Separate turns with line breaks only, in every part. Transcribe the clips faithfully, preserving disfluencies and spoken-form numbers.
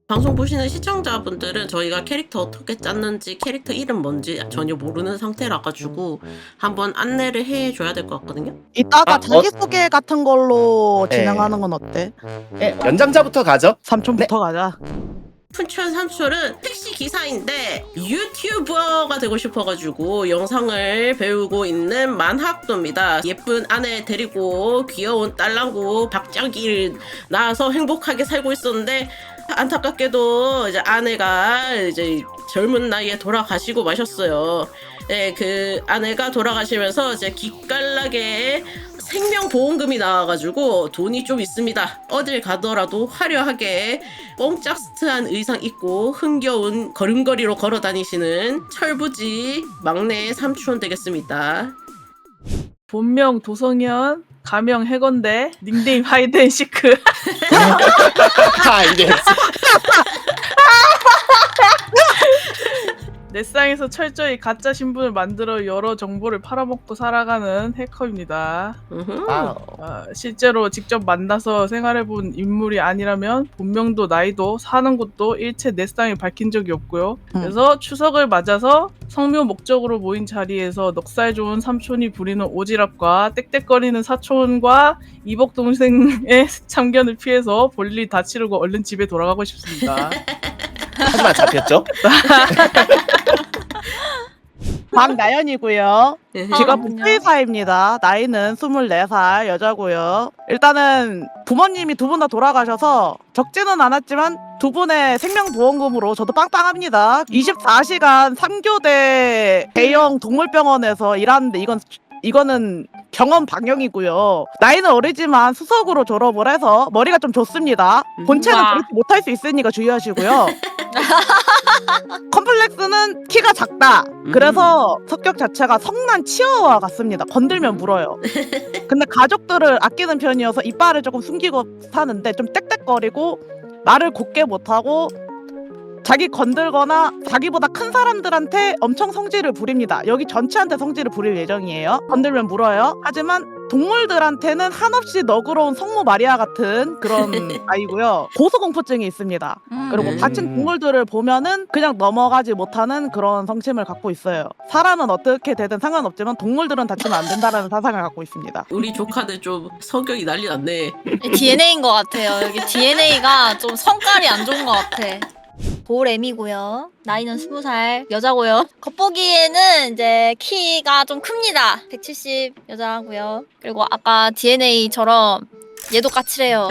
방송 보시는 시청자분들은 저희가 캐릭터 어떻게 짰는지 캐릭터 이름 뭔지 전혀 모르는 상태라 가지고 한번 안내를 해줘야 될 것 같거든요.
이따가
아,
자기소개 같은 걸로
네.
진행하는 건 어때?
네, 연장자부터 가죠.
삼촌부터 가자.
푼천 삼촌은 택시 기사인데 유튜버가 되고 싶어가지고 영상을 배우고 있는 만학도입니다. 예쁜 아내 데리고 귀여운 딸랑구 박자기를 낳아서 행복하게 살고 있었는데 안타깝게도 이제 아내가 이제 젊은 나이에 돌아가시고 마셨어요. 네, 그 아내가 돌아가시면서 이제 기깔나게 생명보험금이 나와가지고 돈이 좀 있습니다. 어딜 가더라도 화려하게 뽕짝스트한 의상 입고 흥겨운 걸음걸이로 걸어 다니시는 철부지 막내 삼촌 되겠습니다.
본명 도성현, 가명 해건대, 닉네임 하이드앤시크.
아, 이제
넷상에서 철저히 가짜 신분을 만들어 여러 정보를 팔아먹고 살아가는 해커입니다.
음흠.
아,
어, 실제로 직접 만나서 생활해본 인물이 아니라면 본명도 나이도 사는 곳도 일체 넷상에 밝힌 적이 없고요. 그래서 추석을 맞아서 성묘 목적으로 모인 자리에서 넉살 좋은 삼촌이 부리는 오지랖과 떽떽거리는 사촌과 이복 동생의 참견을 피해서 볼일 다 치르고 얼른 집에 돌아가고 싶습니다.
하지만 잡혔죠?
박나연이고요. 직업은
아,
수의사입니다. 나이는 스물네 살 여자고요. 일단은 부모님이 두 분 다 돌아가셔서 적지는 않았지만 두 분의 생명보험금으로 저도 빵빵합니다. 이십사 시간 삼 교대 대형 동물병원에서 일하는데 이건 이거는 병원 방영이고요. 나이는 어리지만 수석으로 졸업을 해서 머리가 좀 좋습니다. 본체는
우와.
그렇게 못할 수 있으니까 주의하시고요. 컴플렉스는 키가 작다. 그래서 성격 자체가 성난 치어와 같습니다. 건들면 물어요. 근데 가족들을 아끼는 편이어서 이빨을 조금 숨기고 사는데 좀 떽떽거리고 말을 곱게 못하고 자기 건들거나 자기보다 큰 사람들한테 엄청 성질을 부립니다. 여기 전체한테 성질을 부릴 예정이에요. 건들면 물어요. 하지만 동물들한테는 한없이 너그러운 성모 마리아 같은 그런 아이고요. 고소공포증이 있습니다. 그리고
음.
다친 동물들을 보면은 그냥 넘어가지 못하는 그런 성침을 갖고 있어요. 사람은 어떻게 되든 상관없지만 동물들은 다치면 안 된다는 사상을 갖고 있습니다.
우리 조카들 좀 성격이 난리 났네.
디엔에이인 것 같아요. 여기 디엔에이가 좀 성깔이 안 좋은 것 같아. 볼엠이고요. 나이는 스무 살 여자고요. 겉보기에는 이제 키가 좀 큽니다. 백칠십 여자고요. 그리고 아까 디엔에이처럼 얘도 까칠해요.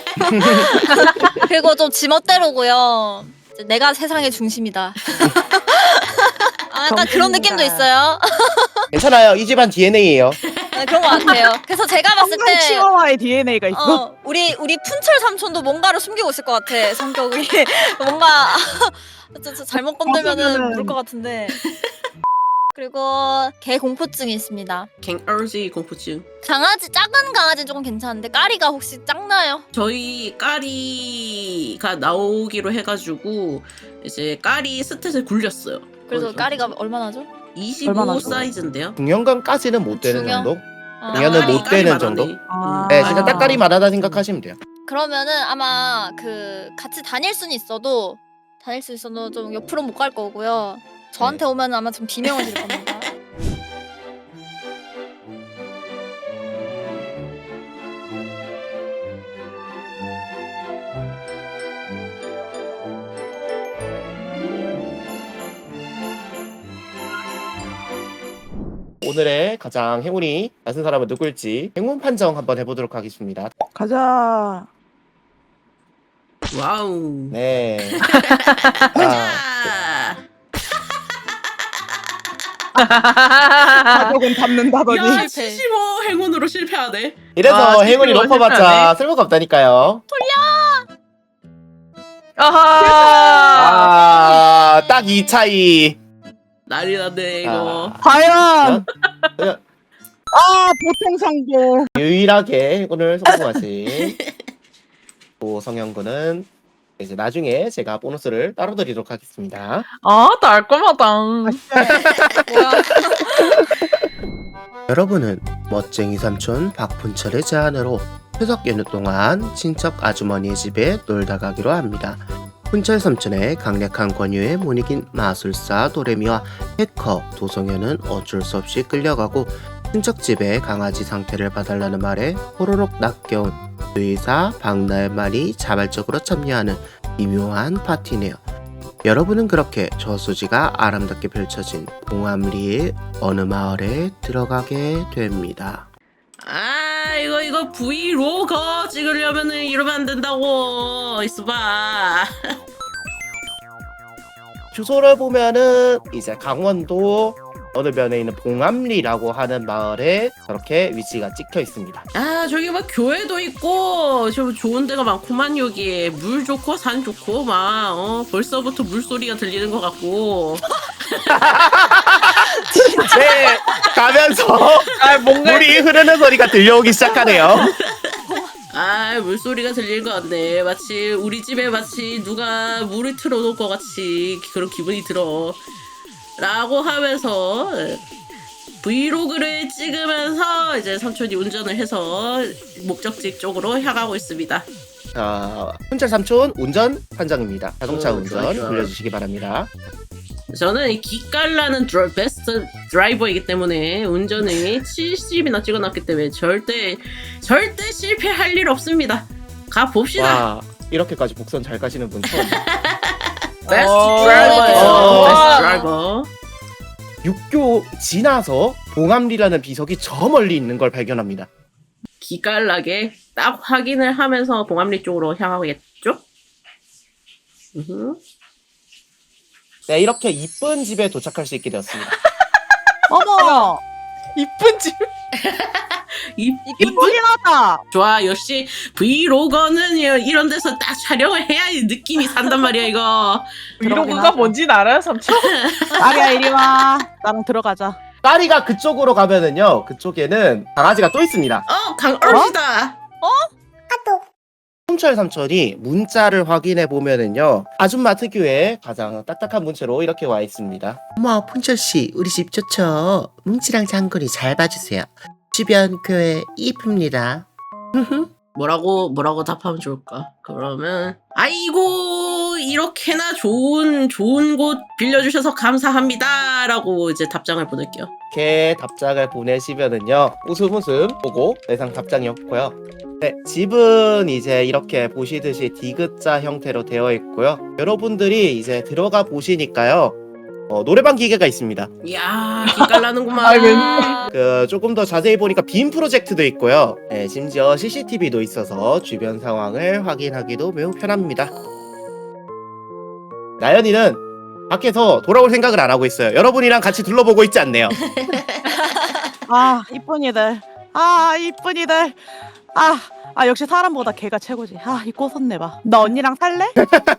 그리고 좀 지멋대로고요. 이제 내가 세상의 중심이다. 아, 약간 그런 느낌도 있어요.
괜찮아요. 이 집안 디엔에이예요.
네, 그런 것 같아요. 그래서 제가 봤을
성난
때
치어와의 디엔에이가 있어.
어, 우리 우리 푼철 삼촌도 뭔가를 숨기고 있을 것 같아. 성격이 뭔가 저, 저 잘못 건들면은 모를 것 같은데. 그리고 개 공포증이 있습니다.
갱얼지 공포증.
강아지 작은 강아지는 조금 괜찮은데 까리가 혹시 작나요?
저희 까리가 나오기로 해가지고 이제 까리 스탯을 굴렸어요.
그래서
거기서.
까리가 얼마나죠?
이십오
얼마나 줘?
사이즈인데요.
중형감까지는 못 되는
중형?
정도?
어,
중형은
까리,
못 되는
까리만
정도?
하네.
아.
네, 진짜
아.
딱까리만 하다 생각하시면 돼요.
그러면은 아마 그 같이 다닐 수는 있어도 다닐 수 있어도 좀 옆으로 못 갈 거고요. 저한테 오면 아마 좀 비명을 지를 겁니다.
오늘의 가장 행운이 낮은 사람은 누굴지 행운 판정 한번 해보도록 하겠습니다.
가자.
와우.
네.
자.
가족은 닮는다더니.
야,
실패.
칠십오 행운으로 실패하네.
이래서
아,
행운이
실패로
높아봤자
실패하네.
쓸모가 없다니까요.
아하!
아, 딱 이 차이.
난리 났네 이거.
아,
과연
그냥
아 보통 성공.
유일하게 행운을 성공하신 오성현 군은 이제 나중에 제가 보너스를 따로 드리도록 하겠습니다.
아, 달콤하다.
뭐야?
여러분은 멋쟁이 삼촌 박분철의 제안으로 추석 연휴 동안 친척 아주머니의 집에 놀다 가기로 합니다. 훈철 삼촌의 강력한 권유에 못 이긴 마술사 도레미와 해커 도성현은 어쩔 수 없이 끌려가고 친척집에 강아지 상태를 봐달라는 말에 호로록 낚여온 의사 박나연만이 자발적으로 참여하는 미묘한 파티네요. 여러분은 그렇게 저수지가 아름답게 펼쳐진 봉암리의 어느 마을에 들어가게 됩니다.
아 이거 이거 브이로그 찍으려면은 이러면 안 된다고. 있어봐.
주소를 보면은 이제 강원도 어느 면에 있는 봉암리라고 하는 마을에 저렇게 위치가 찍혀 있습니다.
아 저기 막 교회도 있고 저 좋은 데가 많구만. 여기 물 좋고 산 좋고 막 어, 벌써부터 물소리가 들리는 것 같고.
네, 가면서
아 뭔가
물이 흐르는 소리가 들려오기 시작하네요.
아 물소리가 들리는 것 같네. 마치 우리 집에 마치 누가 물을 틀어놓을 것 같이 그런 기분이 들어 라고 하면서 브이로그를 찍으면서 이제 삼촌이 운전을 해서 목적지 쪽으로 향하고 있습니다.
자, 훈철 삼촌 운전 판정입니다. 자동차
어,
운전
좋아, 좋아.
돌려주시기 바랍니다.
저는 이 기깔나는 드라, 베스트 드라이버이기 때문에 운전을 칠십이나 찍어놨기 때문에 절대 절대 실패할 일 없습니다. 가 봅시다.
와, 이렇게까지 복선 잘 가시는 분 처음.
베스트
어,
드라이버예요.
어.
베스트 드라이버.
육교 지나서 봉암리라는 비석이 저 멀리 있는 걸 발견합니다.
기깔나게 딱 확인을 하면서 봉암리 쪽으로 향하겠죠? 으흠.
네, 이렇게 이쁜 집에 도착할 수 있게 되었습니다.
어머,
이쁜 집.
이,
이쁘긴 하다.
좋아. 역시 브이로거는 이런 데서 딱 촬영을 해야 느낌이 산단 말이야 이거.
브이로그가
하죠.
뭔진 알아요, 삼촌?
아리야 이리 와. 나랑 들어가자.
파리가 그쪽으로 가면은요, 그쪽에는 강아지가 또 있습니다.
어 강어르시다.
훈철 삼촌이 문자를 확인해 보면은요, 아줌마 특유의 가장 딱딱한 문체로 이렇게 와 있습니다. 어머, 훈철 씨, 우리 집 좋죠? 뭉치랑 장군이 잘 봐주세요. 주변 교회 이쁩니다.
뭐라고 뭐라고 답하면 좋을까? 그러면 아이고 이렇게나 좋은 좋은 곳 빌려주셔서 감사합니다라고 이제 답장을 보낼게요.
이렇게 답장을 보내시면은요, 웃음 웃음 보고 내상 답장이 없고요. 네, 집은 이제 이렇게 보시듯이 디귿자 형태로 되어 있고요. 여러분들이 이제 들어가 보시니까요, 어, 노래방 기계가 있습니다.
이야 기깔나는구만.
아이, 웬-
그 조금 더 자세히 보니까 빔 프로젝트도 있고요. 네, 심지어 씨씨티비도 있어서 주변 상황을 확인하기도 매우 편합니다. 나연이는 밖에서 돌아올 생각을 안 하고 있어요. 여러분이랑 같이 둘러보고 있지 않네요.
아 이쁜이들. 아 이쁜이들. 아, 아 역시 사람보다 개가 최고지. 아 이 꽃었네 봐. 너 언니랑 살래?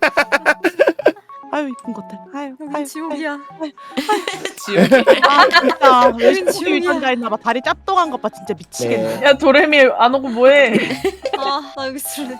아유 이쁜 것들. 아유 아유.
지옥이야.
지옥이.
아 진짜 열심히
지옥이야.
유전자 있나봐. 다리 짭동한 것 봐. 진짜 미치겠네.
네.
야 도레미 안 오고 뭐해?
아, 나 여기 있을래.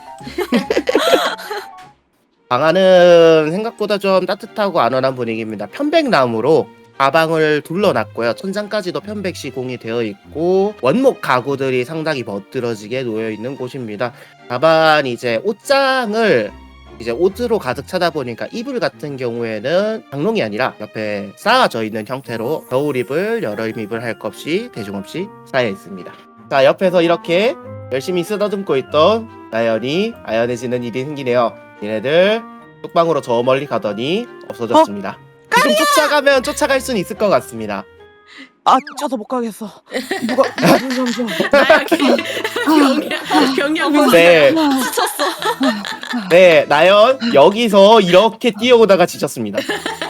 방안은 생각보다 좀 따뜻하고 안원한 분위기입니다. 편백나무로 가방을 둘러놨고요. 천장까지도 편백 시공이 되어 있고 원목 가구들이 상당히 멋들어지게 놓여 있는 곳입니다. 다만 이제 옷장을 이제 옷으로 가득 차다 보니까 이불 같은 경우에는 장롱이 아니라 옆에 쌓아져 있는 형태로 겨울입을 여름입을 할 것 없이 대중 없이 쌓여 있습니다. 자, 옆에서 이렇게 열심히 쓰다듬고 있던 나연이 아연해지는 일이 생기네요. 얘네들 뚝방으로 저 멀리 가더니 없어졌습니다. 지금 쫓아가면 쫓아갈 수는 있을 것 같습니다.
아 쫓아서 못 가겠어. 누가 누가 좀 좀.
나야 경량 경량 무슨
네,
지쳤어.
네, 나연 여기서 이렇게 뛰어오다가 지쳤습니다.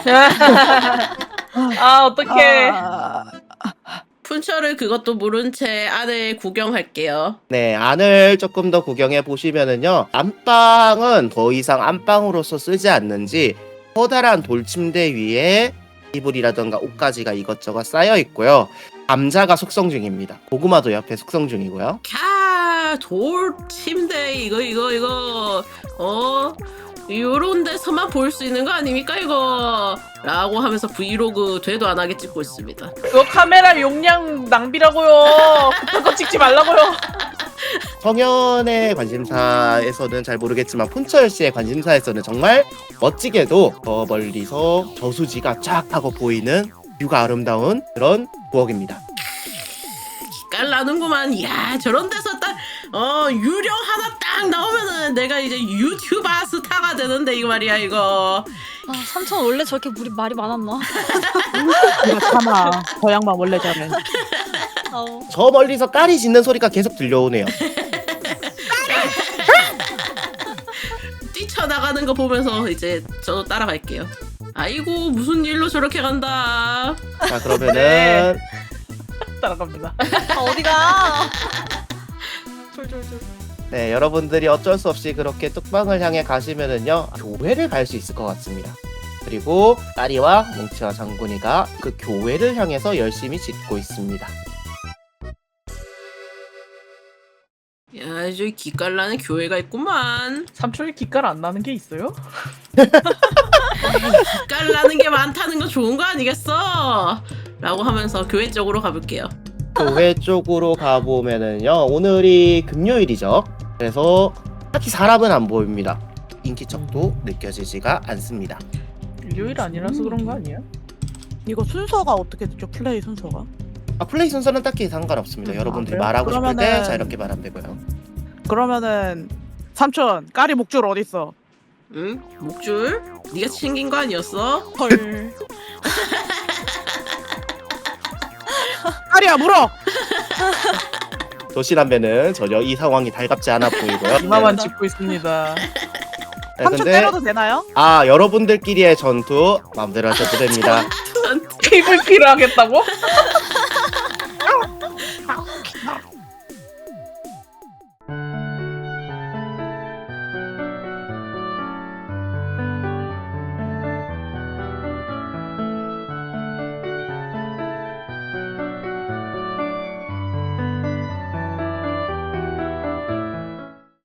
아 어떡해.
아,
푼처를 그것도 모른 채 안에 구경할게요.
네, 안을 조금 더 구경해 보시면은요, 안방은 더 이상 안방으로서 쓰지 않는지 커다란 돌침대 위에 이불이라던가 옷가지가 이것저것 쌓여 있고요. 감자가 숙성 중입니다. 고구마도 옆에 숙성 중이고요.
캬, 돌 침대 이거 이거 이거 어 요런 데서만 볼 수 있는 거 아닙니까 이거? 라고 하면서 브이로그 되도 안 하게 찍고 있습니다.
그거 카메라 용량 낭비라고요. 급한 거 찍지 말라고요.
성현의 관심사에서는 잘 모르겠지만 폰철 씨의 관심사에서는 정말 멋지게도 저 멀리서 저수지가 쫙 하고 보이는 뷰가 아름다운 그런 부엌입니다.
깔나는구만. 야 저런 데서 딱 어 유령 하나 딱 나오면은 내가 이제 유튜버 스타가 되는데 이거 말이야 이거.
아, 삼촌 원래 저렇게 물이 말이 많았나?
이거 참아. 저 양반 원래 저래.
아우.
저 멀리서 까리 짖는 소리가 계속 들려오네요.
뛰쳐나가는 거 보면서 이제 저도 따라갈게요. 아이고 무슨 일로 저렇게 간다.
자 그러면은
네. 따라갑니다.
아, 어디가? 졸졸졸.
네 여러분들이 어쩔 수 없이 그렇게 뚝방을 향해 가시면은요 교회를 갈 수 있을 것 같습니다. 그리고 까리와 뭉치와 장군이가 그 교회를 향해서 열심히 짓고 있습니다.
야 저기 기깔나는 교회가 있구만.
삼촌이 기깔 안 나는 게 있어요?
기깔나는 게 많다는 거 좋은 거 아니겠어? 라고 하면서 교회 쪽으로 가볼게요.
교회 쪽으로 가보면은요 오늘이 금요일이죠. 그래서 딱히 사람은 안 보입니다. 인기척도 느껴지지가 않습니다.
일요일 아니라서 그런 거 아니야?
이거 순서가 어떻게 되죠? 플레이 순서가?
아, 플레이 순서는 딱히 상관없습니다.
음,
여러분들이
아, 그래요?
말하고 싶을 때
그러면은-
자유롭게 말하면 되고요.
그러면은 삼촌 까리 목줄 어딨어?
응? 목줄? 네가 챙긴 거 아니었어?
헐. 까리야 물어.
도시라면은 전혀 이 상황이 달갑지 않아 보이고요.
이마만
네.
짚고 있습니다.
네,
삼촌
근데
때려도 되나요?
아 여러분들끼리의 전투 마음대로 하셔도 됩니다.
피브이피를 하겠다고?